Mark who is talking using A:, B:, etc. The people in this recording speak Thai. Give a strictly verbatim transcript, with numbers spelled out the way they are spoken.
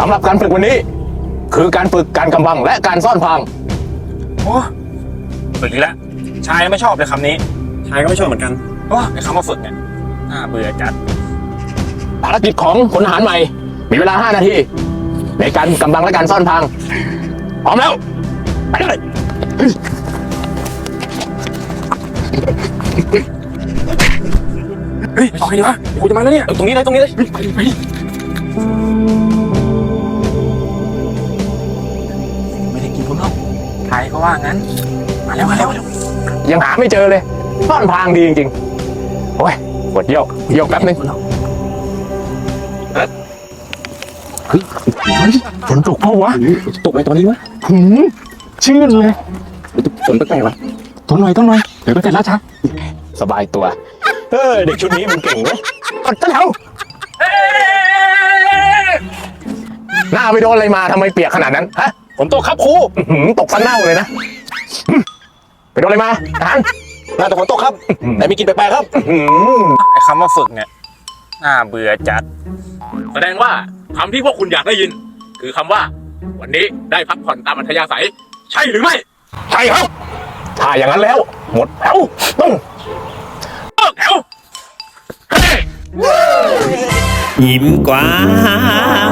A: ำหรับการฝึกวันนี้ คือการฝึกการกำบังและการซ่อนพราง
B: โอ้ฝึกอีกแล้วชายไม่ชอบเลยคำนี้ชายก็ไม่ชอบเหมือนกันโอ้ไอ้คำว่าฝึกเนี่ยน่าเบื่อจัด
A: ภารกิจของพลทหารใหม่มีเวลาห้านาทีในการกำบังและการซ่อนพรางพร้อมแล้วไปเลย
B: เฮ้ยเอาไงดีวะกูจะมาแล้วเนี่ยตรงนี้เลยตรงนี้เลยไปไปไม่ได้กินผมหรอกใครก็ว่างั้นมาแล้วมาแล้ว
A: ยังหาไม่เจอเลยซ่อนพรางดีจริงๆโอ้ยปวดเยี่ยวเยี่ยวแป๊บนึงเฮ้ยฝนตกเปล่าวะ
B: ตกไปตอนนี้วะ
A: หืมชื่นเลย
B: ฝนแปลกๆวะ
A: ต้นหน่อยต้นหน่อยเดี๋ยวก็เสร็จแล้วชักสบายตัวเออเด็กชุดนี้มันเก่งเว้ยกดต้นแถวหน้าไปโดนอะไรมาทำไมเปียกขนาดนั้นฮะ
B: ผมตกครับครู
A: ตกฟันเน่าเลยนะไปโดนอะไรมาทหาร
B: น่าจะฝนตกครับแต่มีกลิ่นแปลกๆครับไอ้คำว่าฝึกเนี่ยน่าเบื่อจัด
C: แสดงว่าคำที่พวกคุณอยากได้ยินคือคำว่าวันนี้ได้พักผ่อนตามอัธยาศัยใช่หรือไม่
A: ใช่ครับถ้าอย่างนั้นแล้วหมดแถวต้อง
C: เลิกแถว
D: ยิ้มกว้าง